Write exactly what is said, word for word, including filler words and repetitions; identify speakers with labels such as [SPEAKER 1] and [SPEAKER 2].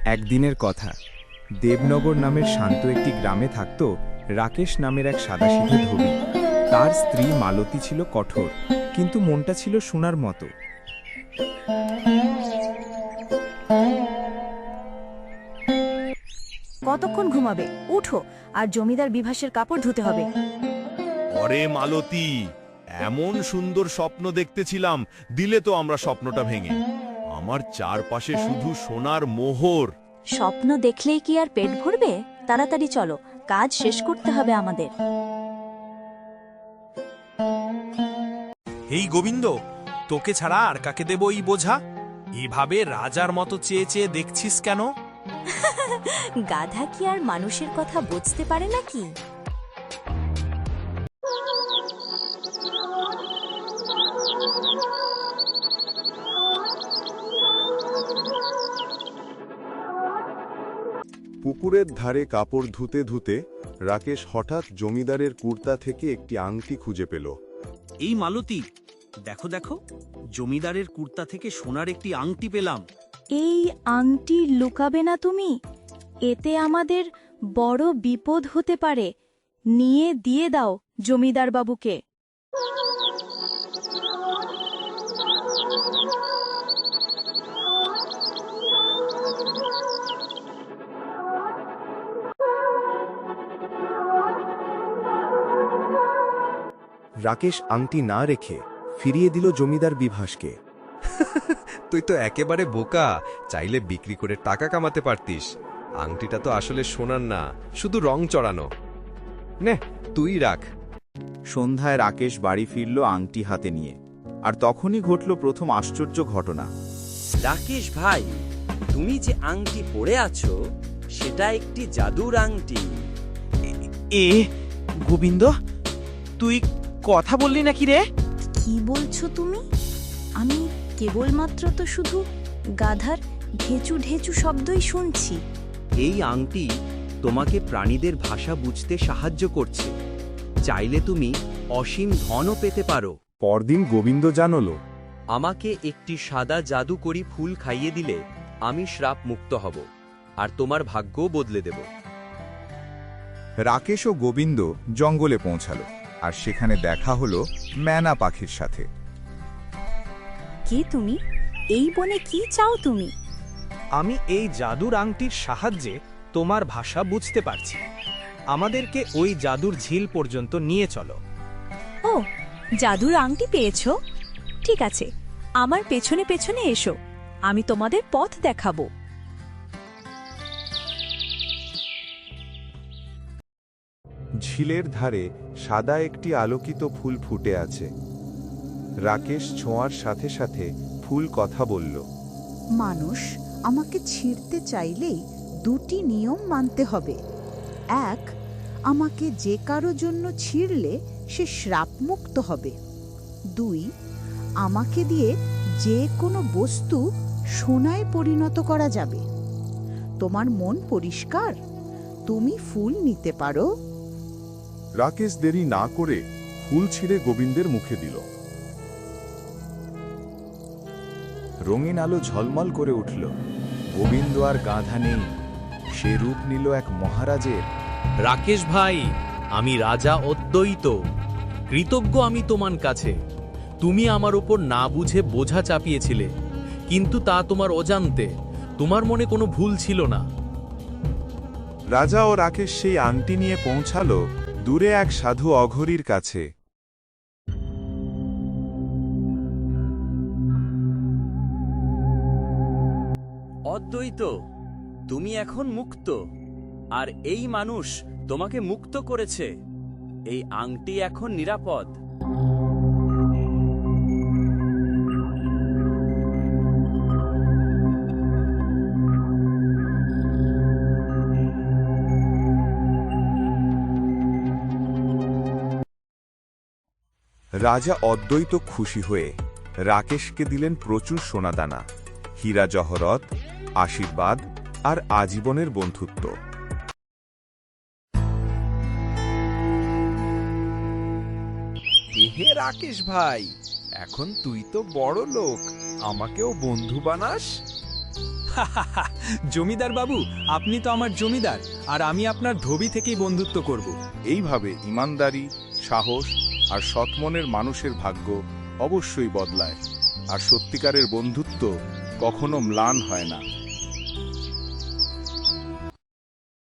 [SPEAKER 1] একদিনের কথা, দেবনগর নামের শান্ত একটি গ্রামে থাকত রাকেশ নামের এক সাদাসিধে ধোবি। তার স্ত্রী মালতী ছিল কঠোর, কিন্তু মনটা ছিল সোনার মতো।
[SPEAKER 2] কতক্ষণ ঘুমাবে? উঠো, আর জমিদার বিভাসের কাপড় ধুতে হবে।
[SPEAKER 3] অরে মালতী, এমন সুন্দর স্বপ্ন দেখতেছিলাম, দিলে তো আমরা স্বপ্নটা ভেঙে। আমার চারপাশে শুধু সোনার মোহর।
[SPEAKER 2] স্বপ্ন দেখলেই কি আর পেট ভরবে? তাড়াতাড়ি চলো, কাজ শেষ করতে হবে আমাদের।
[SPEAKER 4] এই গোবিন্দ, তোকে ছাড়া আর কাকে দেব এই বোঝা? এভাবে রাজার মতো চেয়ে চেয়ে দেখছিস কেন?
[SPEAKER 2] গাধা কি আর মানুষের কথা বুঝতে পারে নাকি?
[SPEAKER 5] পুকুরের ধারে কাপড় ধুতে ধুতে রাকেশ হঠাৎ জমিদারের কুর্তা থেকে একটি আংটি খুঁজে পেল।
[SPEAKER 6] এই মালতী, দেখো দেখো, জমিদারের কুর্তা থেকে সোনার একটি আংটি পেলাম।
[SPEAKER 2] এই আংটি লুকাবে না তুমি? এতে আমাদের বড় বিপদ হতে পারে। নিয়ে দিয়ে দাও জমিদার বাবুকে।
[SPEAKER 5] রাকেশ আংটি না রেখে ফিরিয়ে দিল জমিদার বিভাসকে।
[SPEAKER 7] তুই তো একেবারে বোকা, চাইলে বিক্রি করে টাকা কামাতে পারতিস। আংটিটা তো আসলে সোনার না, শুধু রং চড়ানো। নে, তুই রাখ।
[SPEAKER 1] সন্ধ্যায় রাকেশ বাড়ি ফিরল আংটি হাতে নিয়ে, আর তখনই ঘটল প্রথম আশ্চর্য ঘটনা।
[SPEAKER 8] রাকেশ ভাই, তুমি যে আংটি পরে আছো সেটা একটি জাদুর আংটি।
[SPEAKER 6] এ গোবিন্দ, তুই কথা বললি নাকি রে?
[SPEAKER 2] কি বলছো তুমি? আমি কেবলমাত্র তো শুধু গাধার ঢেঁচু ঢেঁচু শব্দই শুনছি।
[SPEAKER 8] এই আংটি তোমাকে প্রাণীদের ভাষা বুঝতে সাহায্য করছে। চাইলে তুমি অসীম ধনও পেতে পারো।
[SPEAKER 5] পরদিন গোবিন্দ জানল,
[SPEAKER 8] আমাকে একটি সাদা জাদুকরি ফুল খাইয়ে দিলে আমি শ্রাপ মুক্ত হব, আর তোমার ভাগ্যও বদলে দেব।
[SPEAKER 1] রাকেশ ও গোবিন্দ জঙ্গলে পৌঁছালো, আর সেখানে দেখা হলো ম্যানা পাখির সাথে।
[SPEAKER 2] কে তুমি? এই বনে কি চাও তুমি?
[SPEAKER 4] আমি এই জাদুর আংটির সাহায্যে তোমার ভাষা বুঝতে পারছি। আমাদেরকে ওই জাদুর ঝিল পর্যন্ত নিয়ে চলো।
[SPEAKER 2] ও, জাদুর আংটি পেয়েছো? ঠিক আছে, আমার পেছনে পেছনে এসো, আমি তোমাদের পথ দেখাবো।
[SPEAKER 5] ঝিলের ধারে সাদা একটি আলোকিত ফুল ফুটে আছে। রাকেশ ছোঁয়ার সাথে সাথে ফুল কথা বলল।
[SPEAKER 9] মানুষ আমাকে ছিঁড়তে চাইলেই দুটি নিয়ম মানতে হবে। এক, আমাকে যে কারো জন্য ছিঁড়লে সে শ্রাপমুক্ত হবে। দুই, আমাকে দিয়ে যে কোনো বস্তু সোনায় পরিণত করা যাবে। তোমার মন পরিষ্কার? তুমি ফুল নিতে পারো।
[SPEAKER 5] রাকেশ দেরি না করে ফুল ছিঁড়ে গোবিন্দের মুখে দিল।
[SPEAKER 1] রঙিন আলো ঝলমল করে উঠল। গোবিন্দ আর গাধা নেই, সে রূপ নিল এক মহারাজের।
[SPEAKER 10] রাকেশ ভাই, আমি রাজা অদ্বৈত। কৃতজ্ঞ আমি তোমার কাছে। তুমি আমার উপর না বুঝে বোঝা চাপিয়েছিলে, কিন্তু তা তোমার অজান্তে। তোমার মনে কোনো ভুল ছিল না।
[SPEAKER 5] রাজা ও রাকেশ সেই আংটি নিয়ে পৌঁছালো দূরে এক সাধু অঘরীর কাছে।
[SPEAKER 8] অদ্বৈত, তুমি এখন মুক্ত, আর এই মানুষ তোমাকে মুক্ত করেছে। এই আংটি এখন নিরাপদ।
[SPEAKER 5] রাজা অদ্বৈত খুশি হয়ে রাকেশকে দিলেন প্রচুর সোনাদানা, হীরা জহরত, আশীর্বাদ আর আজীবনের বন্ধুত্ব।
[SPEAKER 7] হে রাকেশ ভাই, এখন তুই তো বড় লোক, আমাকেও বন্ধু বানাস?
[SPEAKER 4] জমিদার বাবু, আপনি তো আমার জমিদার, আর আমি আপনার ধোবি থেকেই বন্ধুত্ব করব।
[SPEAKER 11] এইভাবে ইমানদারি, সাহস আর সৎমনের মানুষের ভাগ্য অবশ্যই বদলায়, আর সত্যিকারের বন্ধুত্ব কখনো ম্লান হয় না।